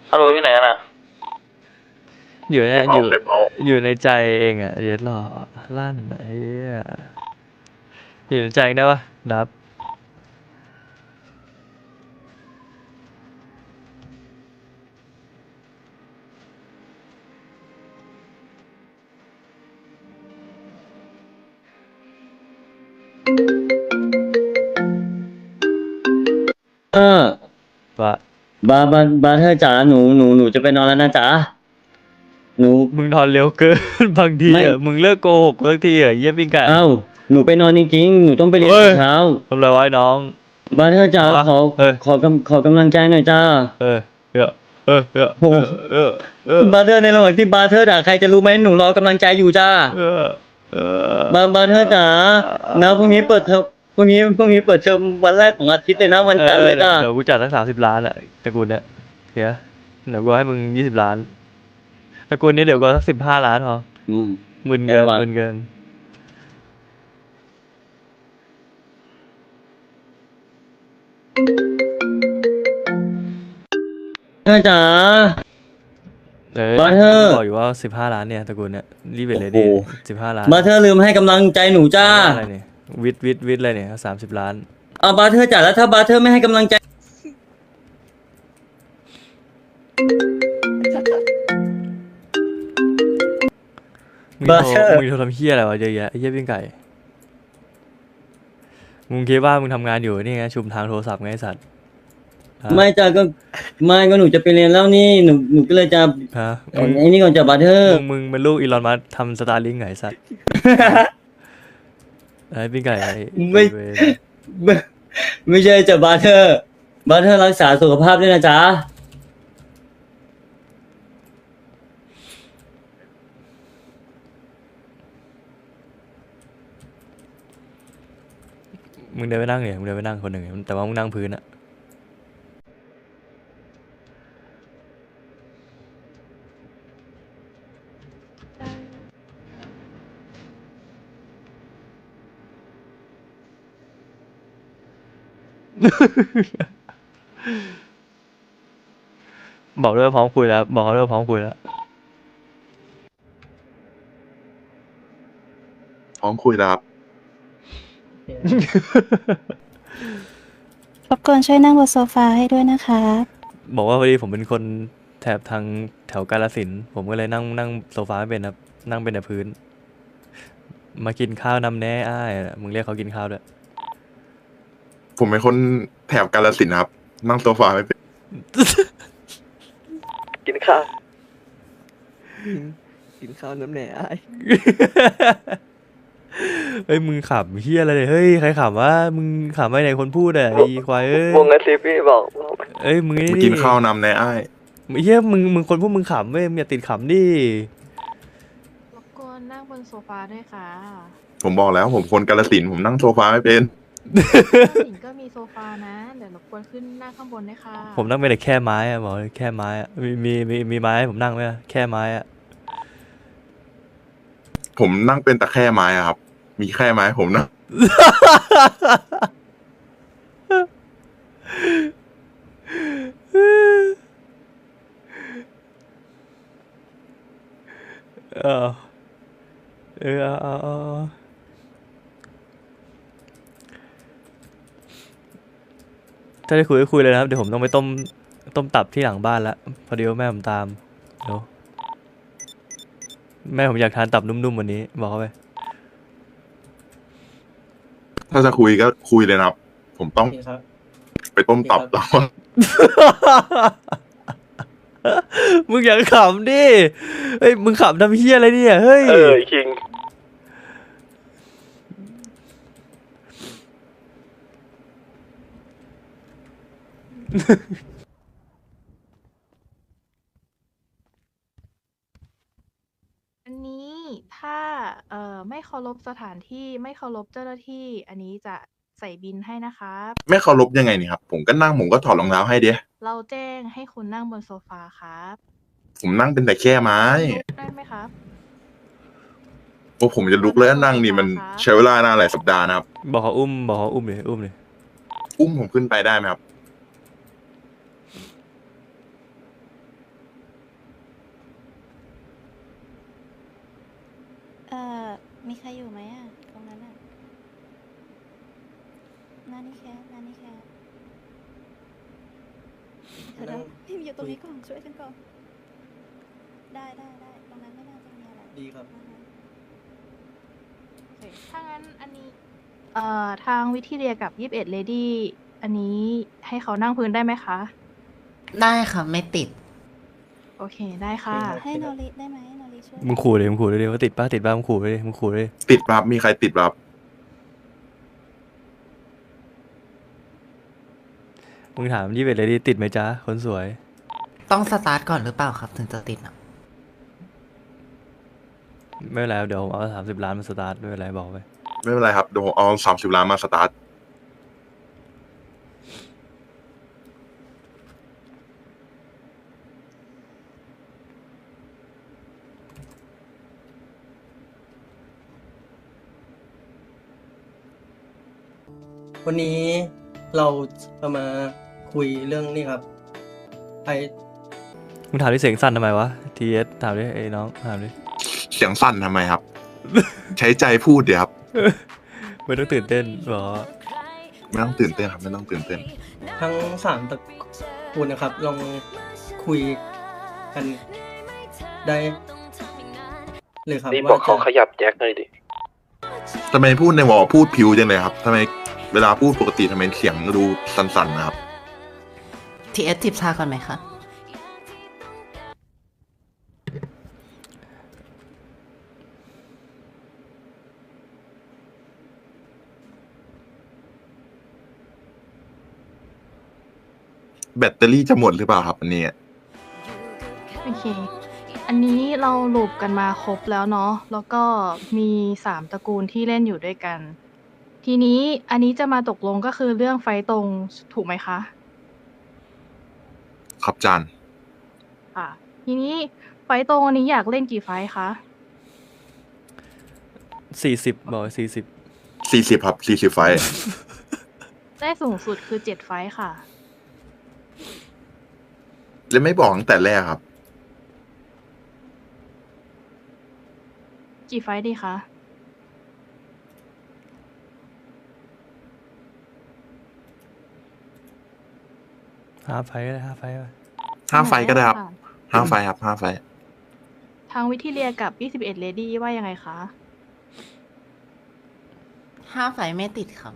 ฮัลโหลอยู่ไหนกันอ่ะอยู่ในอยู่ในใจเองอ่ะเดี๋ยวรอลั่นไอ้เหี้ยอยู่ในใจได้ปะนับเออว่าบาเธอจ๋าหนูจะไปนอนแล้วนะจ๋าหนูมึงนอนเร็วเกิน บางทีไม่อ่ะมึงเลิกโกหกสักทีอ่ะเยี่ยมปิ้งไก่เอ้าหนูไปนอนจริงๆหนูต้องไปเรียนเฮ้ยเช้าทำไรไว้น้องบาเธอจ๋าอ่ะเออขอกำลังใจหน่อยจ้าเออเออเออเออโหเออเออบาเธอในระหว่างที่บาเธอด่าใครจะรู้ไหมหนูรอกำลังใจอยู่จ้าเออเออบาเธอจ๋านะพรุ่งนี้เปิดเทอมพรุ่งนี้เปิดเทอมวันแรกของอาทิตย์เลยนะวันจันทร์เลยจ้าเดี๋ยวกูจัดสัก30 ล้านอ่ะตระกูลเนี้ยเฮียเดี๋ยวกูให้มึง20 ล้านตระกูลนี้เดี๋ยวกูสัก15 ล้านพออืมหมื่นเกินแย่ว่ะหมื่นเกินเธอจ๋า บาร์เทอร์บอกอยู่ว่า15 ล้านเนี่ยตระกูลเนี่ยรีบไปเลยดิโอ้โห 15 ล้านบาเธอลืมให้กำลังใจหนูจ้าอะไรเนี่ยวิทย์อะไรเนี่ย30 ล้านเอาบาเธอจ๋าแล้วถ้าบาเธอไม่ให้กำลังใจมึงบาร์เทอร์โทรทำเฮียอะไรวะเยอะแยะไอ้เฮียปิ้งไก่มึงคิดว่ามึงทำงานอยู่นี่ไงชุมทางโทรศัพท์ไงไอ้สัตว์ฮะไม่จ้าก็ไม่ก็หนูจะไปเรียนแล้วนี่หนูก็เลยจะฮะไอ้นี่ก่อนจะบาเธอร์มึงเป็นลูกอีลอนมัสก์ทำสตาร์ลิงไงไอ้สัตว์ ไอ้ปิ้งไก่ไอ้ไม่เวรไม่ใช่จะบาเธอร์รักษาสุขภาพด้วยนะจ๊ะมึงเดินไปนั่งเนี่ยมึงเดินไปนั่งคนหนึ่งแต่ว่ามึงนั่งพื้นอะ บอกด้วยว่าพร้อมคุยแล้วบอกเขาด้วยว่าพร้อมคุยแล้วพร้อมคุยแล้วครับรบกวนช่วยนั่งบนโซฟาให้ด้วยนะคะบอกว่าพอดีผมเป็นคนแถบทางแถวกาฬสินธุ์ผมก็เลยนั่งโซฟาไม่เป็นครับนั่งเป็นแต่พื้น มากินข้าวนำแน่อ้ายมึงเรียกเขากินข้าวด้วยผมเป็นคนแถบกาฬสินธุ์ครับ นั่งโซฟาไม่เป็นกินข้าวกินข้าวน้ำแหน่ไอ้เฮ้ยมึงขำเฮียอะไรเนี่ยเฮ้ยใครขำวะมึงขำไปไหนคนพูดอ่ะไอ้ควายเอ้ยวงกระซิบพี่บอกเอ้ยมึงมากินข้าวนำในอ้ายเฮียมึงคนพูดมึงขำเว้ยมึงอย่าติดขำดิรบกวนนั่งบนโซฟาด้วยค่ะผมบอกแล้วผมคนกาฬสินธุ์ผมนั่งโซฟาไม่เป็นหญิงก็มีโซฟานะ เดี๋ยวรบกวนขึ้นนั่งข้างบนด้วยค่ะผมนั่งไปแต่แค่ไม้อะบอกเลยแค่ไม้อะมีไม้ให้ผมนั่งไหมอะแค่ไม้อะผมนั่งเป็นแต่แค่ไม้อะครับ มีแค่ไม้ผมนะเออเอาถ้าได้คุยก็คุยเลยนะครับเดี๋ยวผมต้องไปต้มตับที่หลังบ้านละพอดีว่าแม่ผมตามเดี๋ยวแม่ผมอยากทานตับนุ่มๆวันนี้บอกเขาไปถ้าจะคุยก็คุยเลยนะครับ ผมต้องไปต้มตับแล้วมึงอย่าขำดิเฮ้ยมึงขำทำเฮี้ยอะไรเนี่ยเฮ้ยคิงอันนี้ถ้าไม่เคารพสถานที่ไม่เคารพเจ้าหน้าที่ อันนี้จะใส่บินให้นะครับไม่เคารพยังไงนี่ครับ ผมก็นั่งผมก็ถอดรองเท้าให้เดียเราแจ้งให้คุณนั่งบนโซฟาครับผมนั่งเป็นแต่แค่ไม้ลุกได้ไหมครับโอ้ผมจะลุกแล้วนั่งนี่มันใช้เวลานานหลายสัปดาห์นะครับบอกเขาอุ้มเลยอุ้มผมขึ้นไปได้ไหมครับนานี่แคสเดี๋ยวพี่อยู่ตรงนี้ก่อนช่วยฉันก่อนได้ตรงนั้นไม่น่าจะมีอะไรดีครับโอเคถ้างั้นอันนี้ทางวิทีเรียกับ21เลดี้อันนี้ให้เขานั่งพื้นได้ไหมคะได้ค่ะไม่ติดโอเคได้ค่ะให้โนริได้ไหมโนริช่วยมึงขู่เลยว่าติดป้ามึงขู่เลยติดครับมีใครติดครับมึงถาม21เลยดิติดไหมจ๊ะคนสวยต้องสตาร์ทก่อนหรือเปล่าครับถึงจะติดอ่ะไม่เป็นไรเดี๋ยวผมเอา30 ล้านมาสตาร์ทไม่เป็นไรบอกไปไม่เป็นไรครับเดี๋ยวผมเอา30 ล้านมาสตาร์ทวันนี้เราจะมาคุยเรื่องนี่ครับไอมึงถามที่เสียงสั่นทำไมวะ TS ถามดิไอ้น้องถามดิเสียงสั่นทำไมครับ ใช้ใจพูดเดี๋ยวครับไม่ต้องตื่นเต้นหรอไม่ต้องตื่นเต้นครับไม่ต้องตื่นเต้นทั้ง3ตระกูลนะครับ ลองคุยกันได้เลยครับนี่บอกเขาขยับแจ็คหน่อยดิทำไมพูดในวอพูดผิวจังเลยครับทำไมเวลาพูดปกติทำไมเสียงดูสั่นๆนะครับ TS ทิปชาก่อนไหมคะแบตเตอรี่จะหมดหรือเปล่าครับอันนี้โอเค อันนี้เราลูปกันมาครบแล้วเนาะ แล้วก็มี3ตระกูลที่เล่นอยู่ด้วยกัน ทีนี้อันนี้จะมาตกลงก็คือเรื่องไฟตรงถูกไหมคะครับจานค่ะ ทีนี้ไฟตรงอันนี้อยากเล่นกี่ไฟท์คะ 40บอก40 40ครับ40 ไฟล์ได้สูงสุดคือ7ไฟท์ค่ะแล้วไม่บอกตั้งแต่แรกครับกี่ไฟท์ดีคะ 5 ไฟก็ได้5 ไฟไป 5 ไฟล์ก็ได้ครับค่ะ 5 ไฟล์ครับ5 ไฟล์ทางวิทีเรียกับ21เลดี้ว่ายังไงคะ 5 ไฟไม่ติดครับ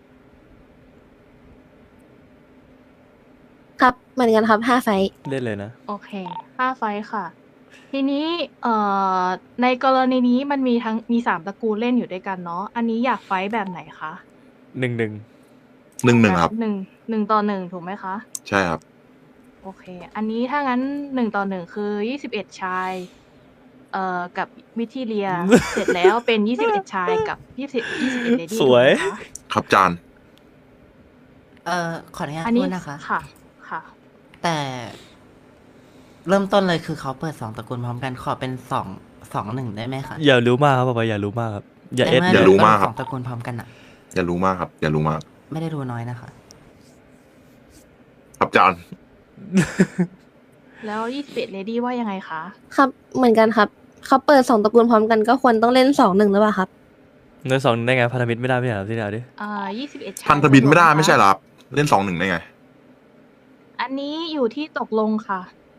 ครับเหมือนกันครับ5 ไฟท์เล่นเลยนะโอเค5ไฟท์ค่ะ ทีนี้ในกรณีนี้มันมี3ตระกูลเล่นอยู่ด้วยกันเนาะ อันนี้อยากไฟท์แบบไหนคะ 1 1-1ครับ 1 ต่อ 1 ถูกไหมคะใช่ครับโอเค อันนี้ถ้างั้น1 ต่อ 1 คือ21ชายกับวิทีเรีย เสร็จแล้วเป็น21ชายกับ21เลดี้สวยถูกไหมคะครับจานขออนุญาตอันพูนี้ดนะคะค่ะ ค่ะแต่เริ่มต้นเลยคือเขาเปิด2ตระกูลพร้อมกันขอเป็น2-1ได้ไหมคะอย่ารู้มากครับอย่ารู้มากครับ อย่าเอสในอย่ารู้มากครับสองตระกูลพร้อมกันอ่ะอย่ารู้มากครับ อย่ารู้มากไม่ได้รู้น้อยนะคะครับจานแล้ว21เลดี้ว่ายังไงคะครับเหมือนกันครับเขาเปิด2 ตระกูลพร้อมกันก็ควรต้องเล่น2-1หรือเปล่าครับเงิน2ได้ไงพันธมิตรไม่ได้ไม่ใช่เหรอที่ไหนดิ 21ชายพันธบินไม่ได้ตกลงไม่ใช่เหรอครับเล่น 2-1 ได้ไงอันนี้อยู่ที่ตกลงค่ะ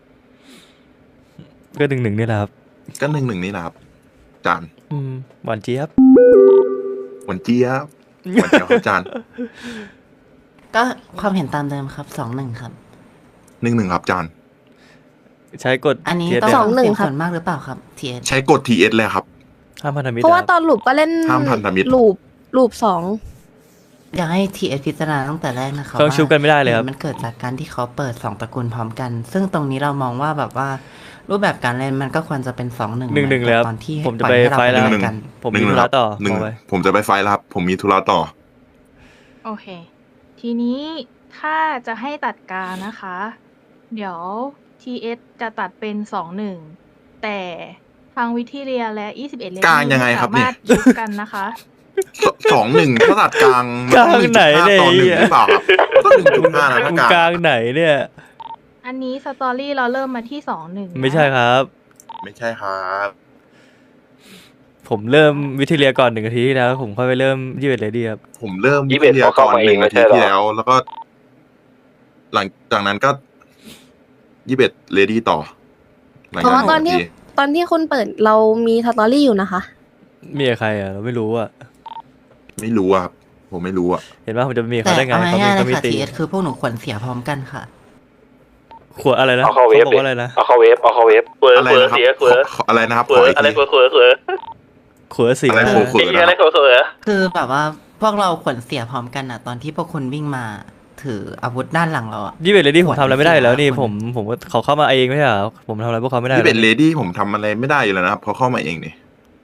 ก็1-1นี่แหละครับก็1-1นี่แหละครับจานหวานเจี๊ยบหวันเจี๊ยบหวันเจี๊ยบครับจานก็ความเห็นตามเดิมครับ2-1ครับ 1-1ครับจานใช้กฎอันนี้ TS ต้องสองหนึ่งเสียงครับส่วนมากหรือเปล่าครับ TS ใช้กด TS เลยครับห้ามพันธมิตรเพราะว่าคบตอนลูปก็เล่นห้ามพันธมิตรลูป2 อยากให้ TS พิจารณาตั้งแต่แรกนะคะเครื่องชุบกันไม่ได้เลยครับมันเกิดจากการที่เขาเปิด2ตระกูลพร้อมกัน ซึ่งตรงนี้เรามองว่าแบบว่า รูปแบบการเล่นมันก็ควรจะเป็น2-1 1-1เลยครับตอนที่ผมจะไปปล่อยให้เราไฟล์แล้วเล่หนึ่งกันผมมีธุระต่อหนึ่งบอกไปผมจะไปไฟล์แล้วครับ ผมมีธุระต่อโอเค ทีนี้ถ้าจะให้ตัดการนะคะ เดี๋ยว TS จะตัดเป็น2-1 แต่ทางวิทีเรียและ21เลดี้กลางยังไงครับสามารถยุบกันนะคะ 2-1ถ้าตัดกลางมันกลางต้องไหนเนี่ย 1.5 ต่อ 1 หรือเปล่าครับต้อง 1.5 นะถ้ากลางกลางไหนเนี่ยอันนี้สตอรี่เราเริ่มมาที่2-1 ไม่ใช่ครับไม่ใช่ครับผมเริ่มวิทยาก่อน1 นาทีที่แล้วผมค่อยไปเริ่ม21เลดี้ครับผมเริ่ม 21 วิทยาเขาเข้ามาเอง 1 ไม่นาใช่ทีเหรอที่แล้ว แล้วก็ หลังจากนั้นก็21เลดี้ต่อหลังเพราะจากว่าตอน 1 ที่นาทีตอนที่คุณเปิดเรามีสตอรี่อยู่นะคะมีกับใครอ่ะเราไม่รู้อ่ะไม่รู้อะครับผมไม่รู้อะเห็นว่าผมจะมีแต่เขาได้ไงเอาเขามีง่ายๆเลเขายมีค่ะตีทีเอสคือพวกหนูขวนเสียพร้อมกันค่ะขวดอะไรนะเอาเข้าเวฟบอกว่าอะไรนะเอาเข้าเวฟเวอร์อะไรเวอร์นะครับเสียเวอร์ขออะไรนะครับเวขออร์อีกอะไรทีเวอร์เวอร์ขวดเสียอะไรนะขวดไอ้เหี้ยอะไรเวอร์เวอร์คือแบบว่าพวกเราขวนเสียพร้อมกันอ่ะ ตอนที่พวกคุณวิ่งมาถืออาวุธด้านหลังเราอ่ะ 21เลดี้ผมทำอะไรไม่ได้อยู่แล้วนี่ขวดผมเขาเข้ามาเองไม่ใช่เหรอผมทำอะไรพวกเขาไม่ได้ 21 หรเลอกดี้ผมทำอะไรไม่ได้อยู่แล้วนะครับเพราะเข้ามาเองนี่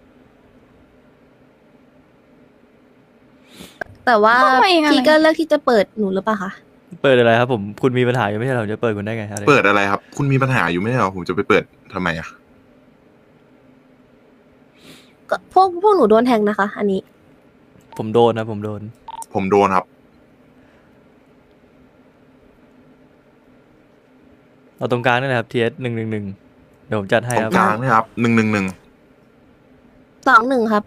แต่ว่าเข้ามาเองอะไรพี่ก็เลือกที่จะเปิดหนูหรือเปล่าคะเปิดอะไรครับผมคุณมีปัญหาอยู่ไม่ใช่เหรอผมจะเปิดคุณได้ไงอะไรเปิดอะไรครับ คุณมีปัญหาอยู่ไม่ใช่เหรอผมจะไปเปิดทำไมอะก็พวกหนูโดนแทงนะคะ อันนี้ผมโดนนะผมโดนผมโดนครับเอาตรงกลางนี่แหละครับ TS 111เดี๋ยวผมจัดให้ตรครังบกลางนะครับ111 2-1 ครับ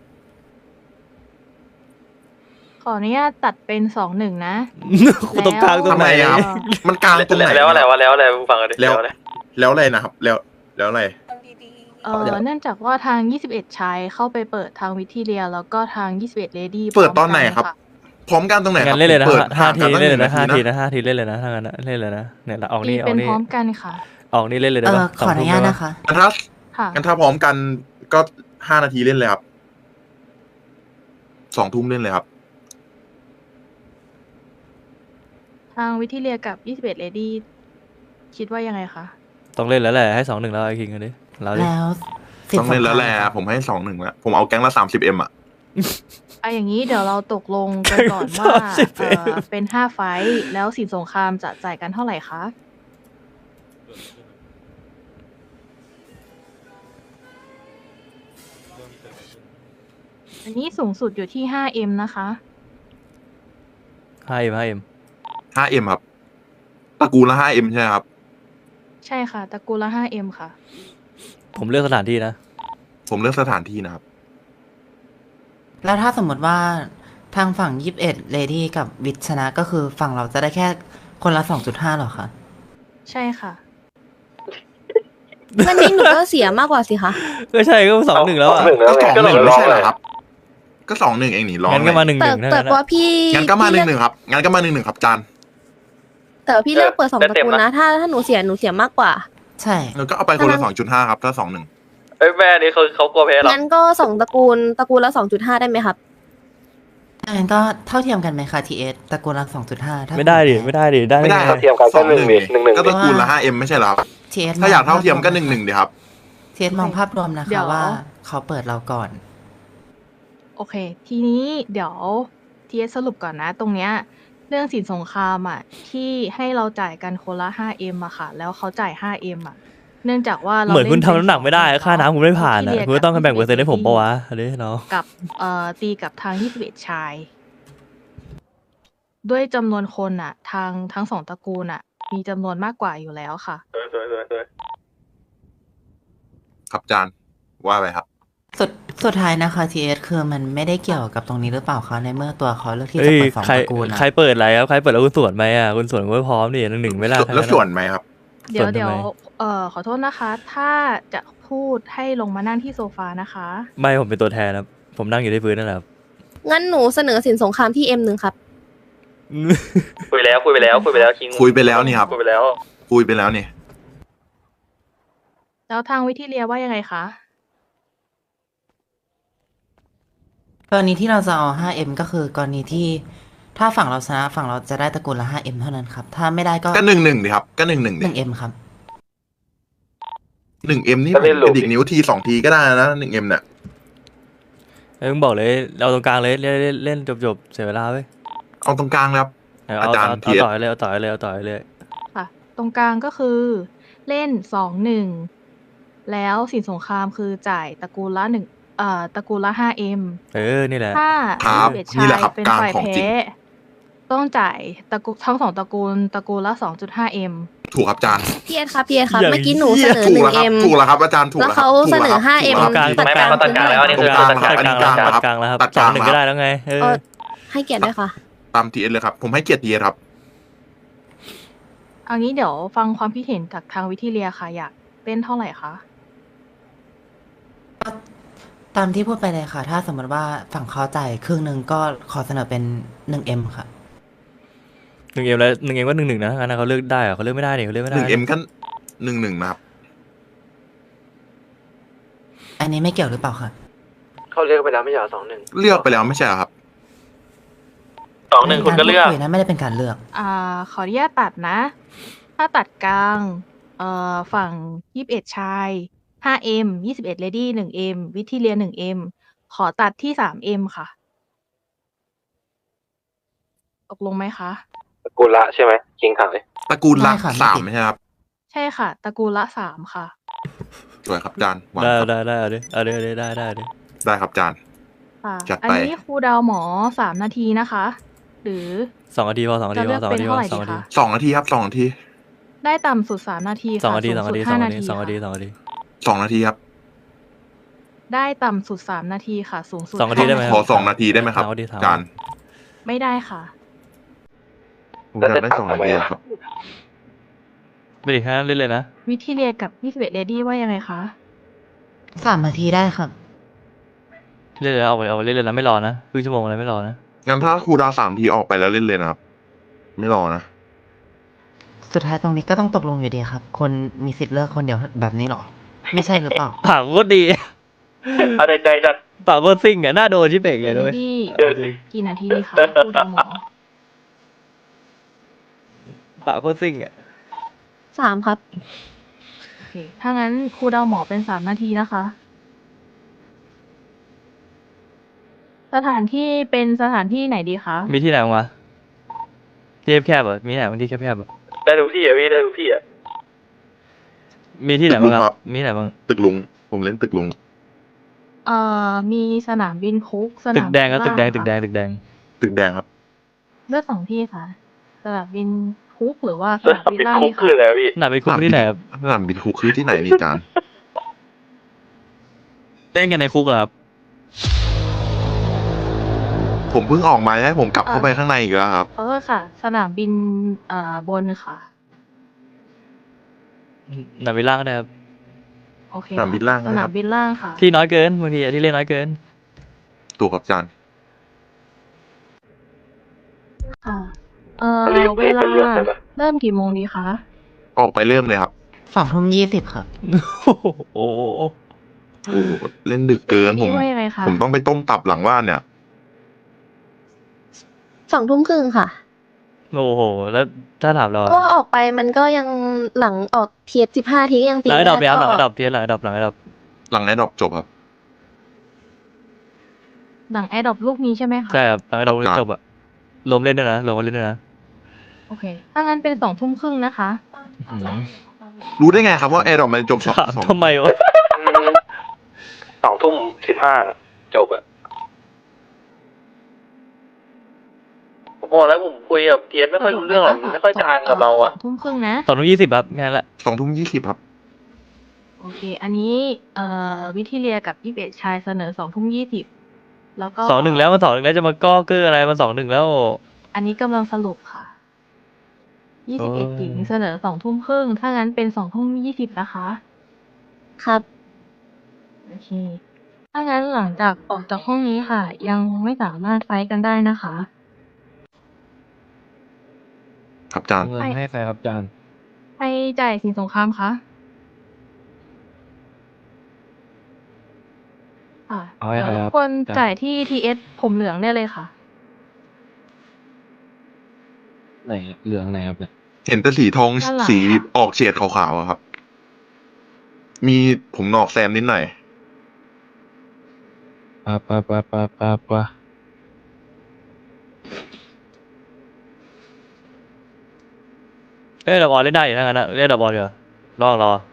ขออนุญาตตัดเป็น2-1 นะตรงกลางตรงไหนทำไมอะครับ มันกลางตรงไหนแล้วอะไรวะแล้วอะไรฟังกันดิแล้วอะไรแล้วอะไรนะครับ แล้วอะไรเนื่องจากว่าทาง21ชายเข้าไปเปิดทางวิทีเรียแล้วก็ทาง21เลดี้เปิดตอนไหนครับ พร้อมกันตรงไหนคงั้รับนเล่นเลยนะผมเปิดห้าห่างทีกันตั้งเล่นหเลนึ่ยงนะนาที 5 ทีนะนะ5 ทีเล่นเลยนะถ้างั้นนะเล่นเลยนะเนี่ยออกตีนี่ออเป็กนนี่พร้อมกันค่ะออกนี่เล่นเลยได้ปะขออนุญาตนะคะงั้นถ้าค่ะงั้นถ้าพร้อมกันก็5 นาทีเล่นเลยครับ2 ทุ่มเล่นเลยครับทางวิทีเรียกับ21เลดี้คิดว่ายังไงคะต้องเล่นแล้วแหละให้2-1แล้วไอ้คิงกันดิเราดิแล้วสิบต้องเล่นแล้วแหละสงครามผมให้2-1แล้วผมเอาแก๊งละ 30M อะอย่างนี้เดี๋ยวเราตกลงกันก่อนว่าเป็น5 ไฟท์แล้วสินสงครามจะจ่ายกันเท่าไหร่คะอันนี้สูงสุดอยู่ที่ 5M นะคะ 5M 5M ครับตระกูลละ 5M ใช่ไหมครับใช่ค่ะตระกูลละ 5M ค่ะผมเลือกสถานที่นะผมเลือกสถานที่นะครับแล้วถ้าสมมติว่าทางฝั่ง21เลดี้กับวิทชนะก็คือฝั่งเราจะได้แค่คนละ 2.5หรอคะใช่ค่ะวันนี้หนูก็เสียมากกว่าสิคะก็ใช่ก็2-1แล้วอ่ะหนึ่งแล้วก็ไง 2-1 ก็ไม่ลองใช่เหเลรอย ครับ ก็2-1เองนี่ร้องงั้นก็มาเลยแต่ 1-1 แต่นะว่าพี่งั้นก็มาพี่เลือก 1-1ครับงั้นก็มา1-1ครับจานแต่ว่าพี่เลือกเปิด2 ตระกูลนะ ถ้าหนูเสียมากกว่าใช่แล้วก็เอาไปคนละ 2.5 ครับถ้า 2-1 เอ้ยแม่นี่เขากลัวแพ้หรองั้นก็2 ตระกูลละ 2.5 ได้ไหมครับงั้นก็เท่าเทียมกันไหมคะทีเอสตระกูลละ 2.5ถ้าไม่ได้ดิไม่ได้ดิได้ไม่ได้งครับเทียมกันก็1-1 1-1 ก็ตระกูลละ 5M ไม่ใช่เหรอครับทีเอสถ้าอยากเท่าเทียมก็1-1ดีครับทีเอสมองภาพรวมนะเดี๋คะยวว่าเขาเปิดเราก่อนโอเค ทีนี้เดี๋ยวทีสรุปก่อนนะ ตรงเนี้ยเรื่องสินสงครามที่ให้เราจ่ายกันคนละ 5M ค่ะ แล้วเขาจ่าย 5M เนื่องจากว่าเราเหมือนคุณทำน้ำหนักไม่ได้เล่นเป็ค่าน้ำคุณไม่ผ่านวิอ่ะธีเรียคุณก็ต้องแบ่งเปอร์เซ็นต์ให้ผมปะวะอันนี้เนาะกับตีกับทาง21ชาย ด้วยจำนวนคนทางทั้ง2 ตระกูลมีจำนวนมากกว่าอยู่แล้วค่ะสวยครับจานว่าไปครับสุดท้ายนะคะทีเอสคือมันไม่ได้เกี่ยวกับตรงนี้หรือเปล่าคะในเมื่อตัวเขาเลือกที่เอ้จะยเปิด2 ใครตระกูลนะใครเปิดอะไรครับใครเปิดแล้วคุณสวนไหมอ่ะคุณสวนก็พร้อมดิ1-1ไม่ได้ทั้งแล้วนั้นส่วอะนไหมครับเดี๋ยวส่วนทำไมเดี๋ยวขอโทษนะคะ ถ้าจะพูดให้ลงมานั่งที่โซฟานะคะไม่ผมเป็นตัวแทนครับผมนั่งอยู่ที่พื้นนั่นแหละครับงั้นหนูเสนอสินสงครามที่ M1 ครับคุยไปแล้วคิงคุยไปแล้วนี่ครับคุยไปแล้วคุยไปแล้วนี่แล้วทางวิทีเรียว่ายังไงคะกรณีที่เราจะเอา 5M ก็คือกรณีที่ถ้าฝั่งเราชนะฝั่งเราจะได้ตระกูลละ 5M เท่านั้นครับ ถ้าไม่ได้ก็ก็1-1ดีครับก็1-1ดิ 1M ครับ 1M นี่ผมกระดิกนิ้วที2 ทีก็ได้นะ 1M เนี่ยมึงบอกเลยเอาตรงกลางเลยเล่นจบเสียเวลาเว้ยเอาตรงกลางเลยครับเอาอาจารย์เอาเทียบต่อยเลยเอาต่อยเลยเอาต่อยเลยค่ะ ตรงกลางก็คือเล่น2-1 แล้วสินสงครามคือจ่ายตระกูลละตระกูลละ 5M นี่แหละถ้าครับ 21 นี่ชาแหละยครับเป็นกลางฝ่ายของจริแพ้งต้องจ่ายทั้ง2 ตระกูลละ 2.5M ถูกครับอาจารย์พี่เอ็ดครับพี่เอ็ดครับอย่างเมื่อกี้หนูเสนอถูหกนึ่แล้วงครับเอ็มถูกแล้วครับอาจารย์ถูกแล้วแล้วครับเขาเสนอ 5M ถูกแล้วครับตัดกลางไม่เขาตัดกลางแล้วอันนี้คือตัดตัดกลางกลางแล้วตัดตัดกลางแล้วครับตัดสกอลาง งหนึ่งครับก็ได้แล้วไงเออให้เกียรติด้วยค่ะตามทีเอสเลยครับ ผมให้เกียรติทีเอสครับเอางี้เดี๋ยวฟังความคิดเห็นจากทางวิทิเลียค่ะ อยากเล่นเท่าไหร่คะตามที่พูดไปเลยค่ะ ถ้าสมมติว่าฝั่งเขาจ่ายครึ่งหนึ่งก็ขอเสนอเป็น 1M ค่ะ 1M แล้ว 1M ก็1-1นะงั้นเขาเลือกได้เหรอเขาเลือกไม่ได้เนี่ยเขาเลือกไม่ได้ 1M ขั้น1-1นะครับอันนี้ไม่เกี่ยวหรือเปล่าคะเขาเลือกไปแล้วไม่ใช่เหรอ2-1 เลือกไปแล้วไม่ใช่เหรอครับ 2-1คุณก็เลือการพูดคุยนะไม่ได้เป็นการเลือกขออนุญาตตัดนะ ถ้าตัดกลางฝั่ง21ชาย 5M 21 Lady 1M วิทิเลีย 1M ขอตัดที่ 3M ค่ะ ตกลงไหมคะกูละใช่ไหมคิงขายตระกูลละไม่ค่ะไม่สามติดไม่ใช่ครับใช่ค่ะ ตระกูลละ 3 ค่ะสวยครับอาจารย์หวานได้ครับได้เอาดิเอาดิได้ได้ดิได้ครับอาจารย์ค่ะจัดไปอันนี้ครูดาวหมอ 3 นาทีนะคะ หรือ 2 นาทีพอ2 นาทีจะพเลืออก 2 เป็นนาทีพเท่าอไหร่ 2 ดีนาทีคะ 2 นาทีครับ2 นาทีได้ต่ำสุด 3 นาที 2 ค่ะนาทีสูง 2 นาสุดที 5 2 นานาทีที 2 นาทีค่ะ 2 นาที 2 นาทีครับได้ต่ำสุด 3 นาทีค่ะ สูงสุด 2 นาทีได้ไหมขอ2 นาทีได้ไหมครับสามนาทีสามอาจารย์ไม่ได้ค่ะผมอยากได้2 นาทีครับไม่ดีแค่นั้นเล่นเลยนะวิทิเลียกับ21 Lady ว่ายังไงคะ 3 นาทีได้ครับเล่นเลยเอาไปเล่นเลยนะไม่รอนะครึ่งชั่วโมงอะไรไม่รอนะงั้นถ้าครูดาว3 ทีออกไปแล้วเล่นเลยนะครับ ไม่รอนะสุดท้ายตรงนี้ก็ต้องตกลงอยู่ดีครับ คนมีสิทธิ์เลือกคนเดียวแบบนี้หรอ ไม่ใช่หรือเปล่าปากโคตรดีเอาใจจัดปากโคตรซิ่งอ่ะหน้าโดนชิเป่งเลยด้วย Lady กี่นาทีดีคะครูดาวหมอปากโคตรซิ่งอ่ะ 3 ครับโอเค ถ้างั้นครูดาวหมอเป็น 3 นาทีนะคะ สถานที่เป็นสถานที่ไหนดีคะมีที่ไหนบ้างวะที่แคบๆเหรอมีที่ไหนบ้างที่แคบๆเหรอได้ทุกที่อ่ะพี่ได้ทุกที่อ่ะมีที่ไหนบ้างคครัรับ บมีที่ไหนบ้างตึกลุง ผมเล่นตึกลุงมีสนามบินคุกสนามตึกแดงครับตึกแดงล่าตึกแดงค่ะตึกแดงตึกแดงครับเลือก2 ที่ค่ะ สนามบินคุกหรือว่าสสนามนามบินบินล่าคุดีกคือคะอะไรวะพี่หนาไปคุกที่ไหนครับสนามบินคุกคือที่ไหนนี่อาจารย์เล่นกันในคุกเหรอครับผมเพิ่งออกมาให้ผมกลับเข้าไปข้างในอีกแล้วครับค่ะ สนามบินบนค่ะหนาไปล่างก็ได้ครับโอเคสนามบินล่างสนะนาครัมบบินล่างค่ะที่น้อยเกินบางทีอะที่เล่นน้อยเกินถูกครับอาจารย์ค่ะ เวลาเริ่มกี่โมงดีคะออกไปเริ่มเลยครับ 2:20 ครับโอ้โหเล่นดึกเกินผมพี่ว่ายังไงคะผมต้องไปต้มตับหลังบ้านเนี่ย 2 ทุ่มครึ่งค่ะโอ้โห แล้วถ้าถามเราเพราะว่าออกไปมันก็ยังหลังออกเทีย15 ทีก็ยังตีหลังไอ้ดอกไม่เนี่ยครับหลังก็ไอ้ดอกเทียนหลังไอ้ดอกหลังไอ้ดอกหลังไอ้ดอกจบครับหลังแอร์ดรอปลูกนี้ใช่ไหมคะใช่ครับหลังไอ้ดอกครับจบอะรวมเล่นด้วยนะรวมเล่นด้วยนะโอเค ถ้างั้นเป็น2 ทุ่มครึ่งนะคะอืมรู้ได้ไงครับว่าไอ้ดอกมันจบสองถามสองทำไมวะ 2:15จบอ่ะผมบอกแล้วผมคุยกับเทียนไม่ค่อยรู้เรื่องหรอกมันไม่ค่อยจางกับเราอ่ะ 2 ทุ่มครึ่งนะ 2:20ครับงานละ 2:20ครับโอเค อันนี้วิทิเลียกับ21ชายเสนอ2 ทุ่ม 20แล้วก็ 2-1แล้วมัน2-1แล้วจะมาก้อเกอร์อะไรมัน2-1แล้วอันนี้กำลังสรุปค่ะ21หญิงเสนอ2 ทุ่มครึ่ง ถ้างั้นเป็น2 ทุ่ม 20นะคะครับโอเค ถ้างั้นหลังจากออกจากห้องนี้ค่ะ ยังไม่สามารถไฟท์กันได้นะคะครับอาจารย์เงินให้ใครครับอาจารย์ใครจ่ายสินสงครามคะเอาให้ใครครับคนจ่ายที่ TS ผมเหลืองได้เลยค่ะไหนเหลืองไหนครับเนี่ยเห็นแต่สีทองด้านหลังสีค่ะออกเฉดขาวๆอะครับ มีผมหนอกแซมนิดหน่อยปะเอ้ยดอกบอลเล่นได้อยู่ทั้งนั้นนะเล่นดอกบอลเดี๋ยวรอ